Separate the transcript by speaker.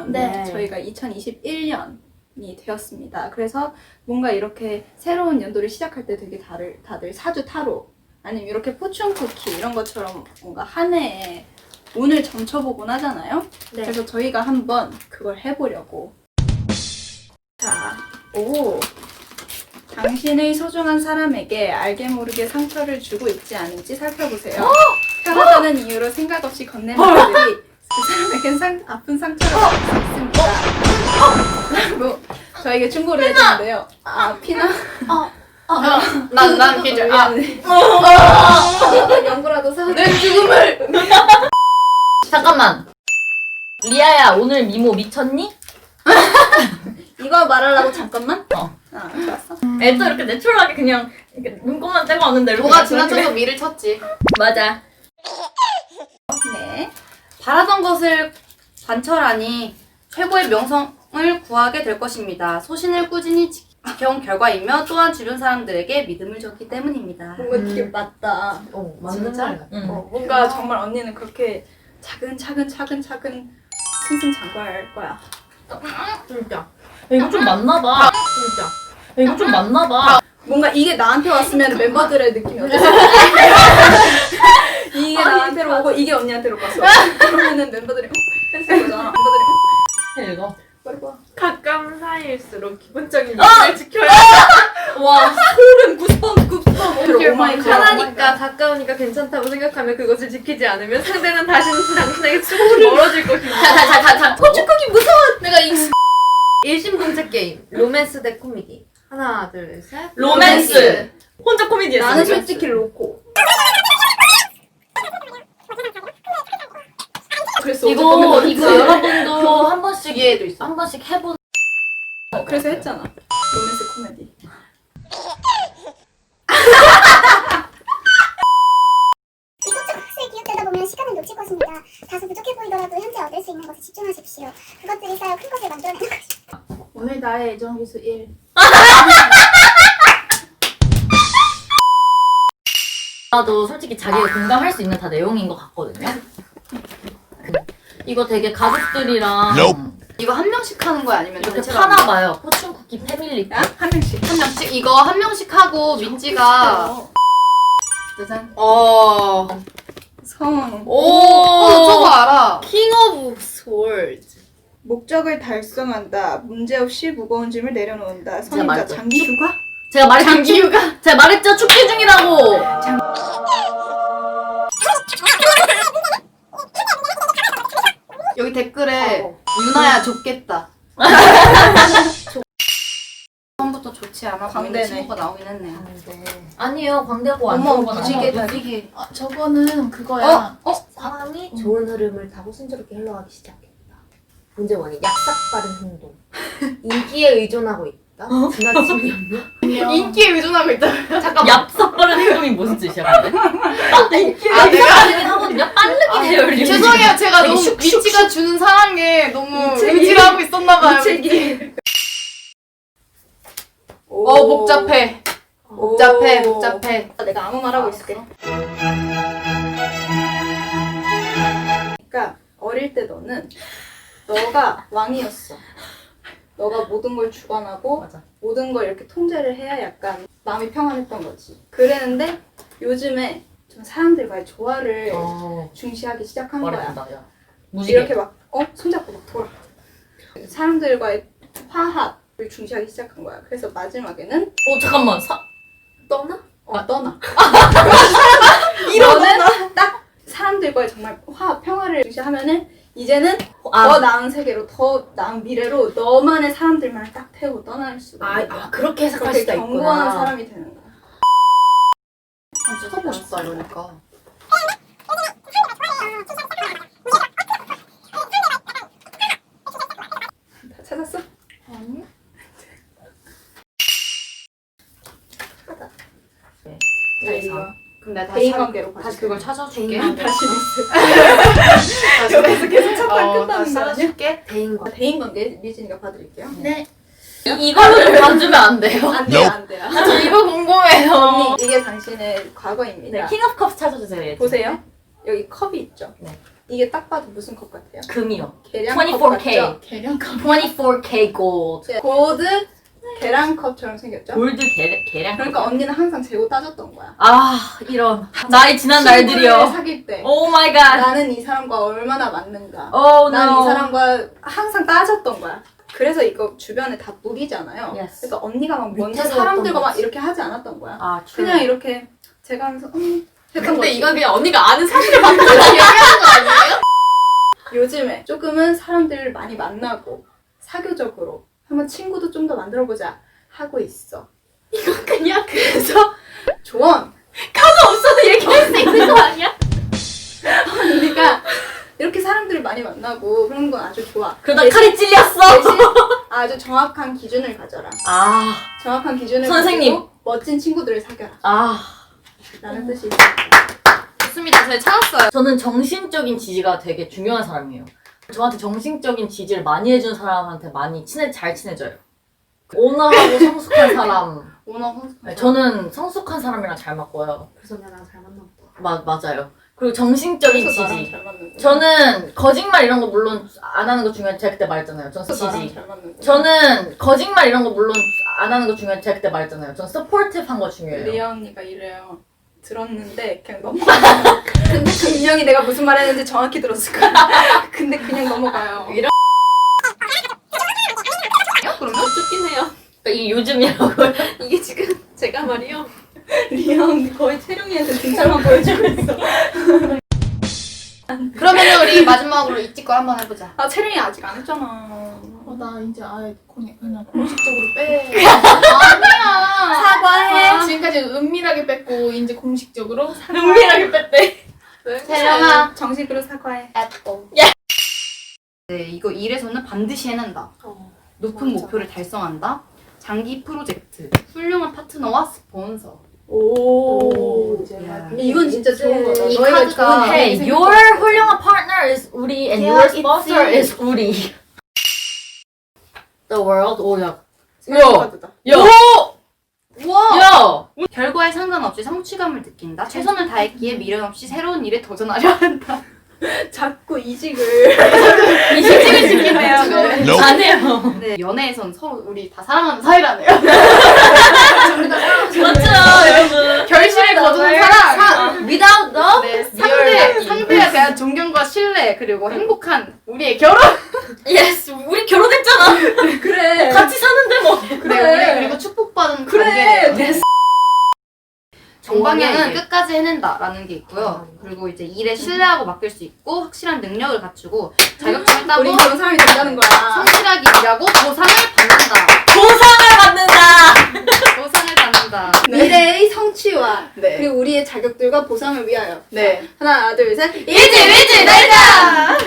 Speaker 1: 네. 저희가 2021년이 되었습니다. 그래서 뭔가 이렇게 새로운 연도를 시작할 때 되게 다들 사주 타로 아니면 이렇게 포춘 쿠키 이런 것처럼 뭔가 한 해에 운을 점쳐보곤 하잖아요.
Speaker 2: 네.
Speaker 1: 그래서 저희가 한번 그걸 해보려고. 자, 당신의 소중한 사람에게 알게 모르게 상처를 주고 있지 않은지 살펴보세요. 편하다는 이유로 생각 없이 건네는 말들이 그 사람에겐 아픈 상처를 받을 수 있습니다. 라고 저에게 충고를 해주는데요. 피나?
Speaker 2: 난 기절.
Speaker 1: 연구라도 사줘.
Speaker 2: 내 죽음을. 잠깐만. 리아야, 오늘 미모 미쳤니?
Speaker 1: 이거 말하려고 잠깐만? 좋았어.
Speaker 2: 애도 이렇게 내추럴하게 그냥 이렇게 눈곱만 떼고 왔는데 이렇게
Speaker 3: 뭐가 지나쳐서 미를 쳤지.
Speaker 2: 맞아.
Speaker 1: 네.
Speaker 3: 바라던 것을 관철하니 최고의 명성을 구하게 될 것입니다. 소신을 꾸준히 지켜온 결과이며 또한 주변 사람들에게 믿음을 줬기 때문입니다.
Speaker 1: 뭔가 되게 맞다.
Speaker 3: 진짜?
Speaker 1: 뭔가 정말 언니는 그렇게 차근차근 승승장구할 거야.
Speaker 2: 진짜. 야, 이거 좀 맞나봐. 진짜. 야, 이거 좀 맞나봐.
Speaker 1: 뭔가 이게 나한테 왔으면 멤버들의 느낌이 어땠어? 이게 나한테로 오고 이게 언니한테로 갔어. 그러면은 멤버들이 했을 거잖아. 멤버들이
Speaker 2: 이거.
Speaker 4: 가까운 사이일수록 기본적인 미를 지켜야
Speaker 1: 와 소름 구스범 오마이갓.
Speaker 4: 편하니까 가까우니까 괜찮다고 생각하면 그것을 지키지 않으면 상대는 당신에게 조금 멀어질 것입니다.
Speaker 2: 자.
Speaker 3: 고추크기 무서워! 내가 일심동체 게임 로맨스 대 코미디 하나 둘 셋
Speaker 2: 로맨스. 혼자 코미디였어.
Speaker 1: 나는 솔직히 로코. 그래서
Speaker 2: 이거 여러분도 한 번씩
Speaker 3: 뒤에도 있어.
Speaker 2: 한 번씩 해본.
Speaker 1: 그래서 했잖아. 로맨스 코미디.
Speaker 5: 이것저것 학수에 기웃되다 보면 시간을 놓칠 것입니다. 다소 부족해 보이더라도 현재 얻을 수 있는 것에 집중하십시오. 그것들이 쌓여 큰 것을 만들어내는 것입니다.
Speaker 1: 오늘 나의 애정기수 1.
Speaker 2: 나도 솔직히 자기가 공감할 수 있는 다 내용인 것 같거든요. 이거 되게 가족들이랑
Speaker 3: 이거 한 명씩 하는 거야 아니면
Speaker 2: 이렇게
Speaker 3: 전체로 하는 거야?
Speaker 2: 파나봐요. 포춘 쿠키 패밀리.
Speaker 1: 한 명씩.
Speaker 3: 한 명씩? 이거 한 명씩 하고 민지가 짜잔.
Speaker 1: 성.
Speaker 3: 저거 알아.
Speaker 4: 킹 오브 스월드.
Speaker 1: 목적을 달성한다. 문제없이 무거운 짐을 내려놓는다. 성인자
Speaker 2: 말했죠.
Speaker 1: 장기 휴가?
Speaker 2: 제가 말했죠. 제가 말했죠. 축제 중이라고.
Speaker 3: 여기 댓글에 유나야 좁겠다. 처음부터 좋지 않아 보이는
Speaker 1: 광대네.
Speaker 3: 친구가 나오긴 했네요.
Speaker 2: 아니에요. 광대고 안
Speaker 3: 어머
Speaker 2: 좋은 건
Speaker 3: 무지개
Speaker 2: 아니에요.
Speaker 3: 무지개.
Speaker 4: 저거는 그거야.
Speaker 6: 상황이 좋은 흐름을 타고 순조롭게 흘러가기 시작했다. 문제 원인 약삭 빠른 행동. 인기에 의존하고 있다. 지나치는 염려.
Speaker 3: 인기에 의존하고 있다.
Speaker 2: 잠깐 얍삽빠른 행동이 무슨 뜻이야? 근데?
Speaker 3: 내가
Speaker 2: 빠르긴 하거든요. 빠르긴 해요. 리얼.
Speaker 3: 죄송해요. 제가
Speaker 2: 되게
Speaker 3: 너무
Speaker 2: 슉슉슉.
Speaker 3: 미치가 주는 사랑에 너무
Speaker 1: 미치기.
Speaker 3: 의지를 하고 있었나봐요.
Speaker 1: 미치기.
Speaker 3: 복잡해. 복잡해.
Speaker 1: 내가 아무 말 하고 있을게. 그러니까 어릴 때 너가 왕이었어. 너가 모든 걸 주관하고
Speaker 2: 맞아.
Speaker 1: 모든 걸 이렇게 통제를 해야 약간 마음이 평안했던 거지. 그랬는데 요즘에 좀 사람들과의 조화를 중시하기 시작한 거야.
Speaker 2: 말해준다. 야. 무지개.
Speaker 1: 이렇게 막 손잡고 막 돌아. 사람들과의 화합을 중시하기 시작한 거야. 그래서 마지막에는
Speaker 2: 잠깐만.
Speaker 6: 떠나?
Speaker 1: 떠나. 너는 딱 사람들과의 정말 화합, 평화를 중시하면은 이제는 더 나은 세계로, 더 나은 미래로 너만의 사람들만 딱 태우고 떠날 수가 있는 거야.
Speaker 6: 그렇게 해석할
Speaker 1: 그렇게
Speaker 6: 수가
Speaker 1: 견고한
Speaker 6: 있구나.
Speaker 1: 사람이 되는 거야.
Speaker 3: 쳐보고 싶다 이러니까.
Speaker 1: 다 찾았어? 자, 이거
Speaker 3: 그럼 내가
Speaker 1: 대인 관계로
Speaker 3: 다시 그걸 찾아줄게.
Speaker 1: 다시 리스. 여기서 계속 찾다 끝나는 거 아니야?
Speaker 3: 찾아줄게.
Speaker 6: 대인과
Speaker 1: 대인 관계 미진이가 봐드릴게요.
Speaker 2: 네. 이걸로 좀 봐주면 안 돼요?
Speaker 1: 안 돼요, 안 돼요.
Speaker 2: 저 이거 궁금해요.
Speaker 1: 언니, 이게 당신의 과거입니다.
Speaker 2: 네, 킹 오브 컵스 찾아주세요. 얘.
Speaker 1: 보세요. 여기 컵이 있죠?
Speaker 2: 네.
Speaker 1: 이게 딱 봐도 무슨 컵 같아요?
Speaker 2: 금이요.
Speaker 1: 계량컵
Speaker 2: 24K.
Speaker 1: 같죠? 계량컵.
Speaker 2: 24K gold.
Speaker 1: 고드 계량컵처럼 생겼죠?
Speaker 2: 골드 계량.
Speaker 1: 그러니까 언니는 항상 재고 따졌던 거야.
Speaker 2: 아 이런 나이 지난
Speaker 1: 친구를
Speaker 2: 날들이요.
Speaker 1: 사귈 때
Speaker 2: 오 마이 갓.
Speaker 1: 나는 이 사람과 얼마나 맞는가.
Speaker 2: 오
Speaker 1: 난 이
Speaker 2: 노.
Speaker 1: 사람과 항상 따졌던 거야. 그래서 이거 주변에 다 무리잖아요.
Speaker 2: Yes.
Speaker 1: 그러니까 언니가 막 먼저
Speaker 6: 밑에서
Speaker 1: 사람들과
Speaker 6: 어떤
Speaker 1: 막
Speaker 6: 거지?
Speaker 1: 이렇게 하지 않았던 거야.
Speaker 2: 아
Speaker 1: 그냥 이렇게 제가 하면서 했던
Speaker 4: 근데
Speaker 1: 거지.
Speaker 4: 이건 그냥 언니가 아는 사실을 바꿔서 얘기하는 거 아니에요?
Speaker 1: 요즘에 조금은 사람들을 많이 만나고 사교적으로 한번 친구도 좀 더 만들어보자 하고 있어.
Speaker 4: 이건 그냥
Speaker 1: 그래서 조언!
Speaker 4: 없어도 얘기할 수 있는 거 아니야?
Speaker 1: 언니가 이렇게 사람들을 많이 만나고 그런 건 아주 좋아.
Speaker 2: 그러다
Speaker 1: 대신-
Speaker 2: 칼이 찔렸어.
Speaker 1: 대신 아주 정확한 기준을 가져라.
Speaker 2: 아.
Speaker 1: 정확한 기준을
Speaker 2: 선생님.
Speaker 1: 가지고 멋진 친구들을 사겨라.
Speaker 2: 아.
Speaker 1: 라는 뜻이 있어.
Speaker 3: 좋습니다. 저희 찾았어요.
Speaker 2: 저는 정신적인 지지가 되게 중요한 사람이에요. 저한테 정신적인 지지를 많이 해준 사람한테 많이 잘 친해져요. 온화하고 성숙한 사람.
Speaker 3: 오너 선수.
Speaker 2: 네, 저는 성숙한 사람이랑 잘 맞고요.
Speaker 6: 그래서 나랑 잘 맞나 보다.
Speaker 2: 맞아요. 그리고 정신적인
Speaker 1: 그래서 나랑
Speaker 2: 지지.
Speaker 1: 잘 맞는 거.
Speaker 2: 저는 거짓말 이런 거 물론 안 하는 거 중요한 제가 그때 말했잖아요. 저는
Speaker 1: 그래서 나랑
Speaker 2: 지지.
Speaker 1: 잘 맞는 거.
Speaker 2: 저는 거짓말 이런 거 물론 안 하는 거 중요한 제가 그때 말했잖아요. 저는 서포티브한 거 중요해요.
Speaker 1: 리아 언니가 이래요. 들었는데 그냥 넘어가요. 근데 분명히 내가 무슨 말 했는지 정확히 들었을 거야. 근데 그냥 넘어가요.
Speaker 3: 그러면
Speaker 4: 좋긴 해요.
Speaker 2: 그러니까 이게 요즘이라고.
Speaker 4: 이게 지금 제가 말이요.
Speaker 1: 리아 언니 거의 채룡이한테 진찰만 보여주고 있어.
Speaker 3: 그러면 우리 마지막으로 이티거 한번 해보자.
Speaker 1: 아 채룡이 아직 안 했잖아.
Speaker 7: 나 이제 아예 그냥 공식적으로 빼.
Speaker 1: 사과해.
Speaker 7: 지금까지 은밀하게 뺐고 이제 공식적으로
Speaker 2: 은밀하게 뺐대.
Speaker 3: 세령아.
Speaker 1: 정식으로 사과해.
Speaker 3: 네, 이거 일에서는 반드시 해낸다. 높은 목표를 달성한다. 장기 프로젝트. 훌륭한 파트너와 스폰서.
Speaker 1: 오.
Speaker 3: 야.
Speaker 1: 이건 진짜 좋은 거다.
Speaker 3: 이
Speaker 1: 너희가
Speaker 3: 카드가-
Speaker 1: 좋은
Speaker 2: Hey,
Speaker 1: 얘기
Speaker 2: your
Speaker 1: 생각하고.
Speaker 2: 훌륭한 partner is 우리 and your sponsor is 우리. The world 오야.
Speaker 1: 생각보다.
Speaker 2: 야.
Speaker 3: 우와!
Speaker 2: 야.
Speaker 3: 결과에 상관없이 성취감을 느낀다. 최선을 다했기에 미련 없이 새로운 일에 도전하려 한다.
Speaker 1: 자꾸 이직을.
Speaker 2: 이직을
Speaker 3: 시키네요. 네.
Speaker 2: 안 해요.
Speaker 3: 네, 연애에선 서로 우리 다 사랑하는 사이라네요.
Speaker 2: 맞죠, 여러분.
Speaker 3: 결실을 거두는 사랑.
Speaker 2: Without love,
Speaker 3: 네, 상대에 대한 존경과 신뢰 그리고 행복한 우리의 결혼.
Speaker 2: yes, 우리 결혼했잖아.
Speaker 1: 그래.
Speaker 2: 같이 사는데 뭐.
Speaker 3: 그래. 우리 그리고 축복받은
Speaker 1: 그래.
Speaker 3: 관계네요. 정방향은
Speaker 6: 좋네, 이게.
Speaker 3: 끝까지 해낸다라는 게 있고요. 그리고 이제 일에 신뢰하고 맡길 수 있고 확실한 능력을 갖추고 자격증을 따고
Speaker 1: 우리 그런 사람이 된다는 거야.
Speaker 3: 성실하게 일하고 보상을 받는다.
Speaker 2: 보상을 받는다.
Speaker 3: 보상을 받는다.
Speaker 1: 미래의 성취와
Speaker 3: 네.
Speaker 1: 그리고 우리의 자격들과 보상을 위하여.
Speaker 3: 네.
Speaker 1: 하나, 둘, 셋.
Speaker 3: 일지 날자.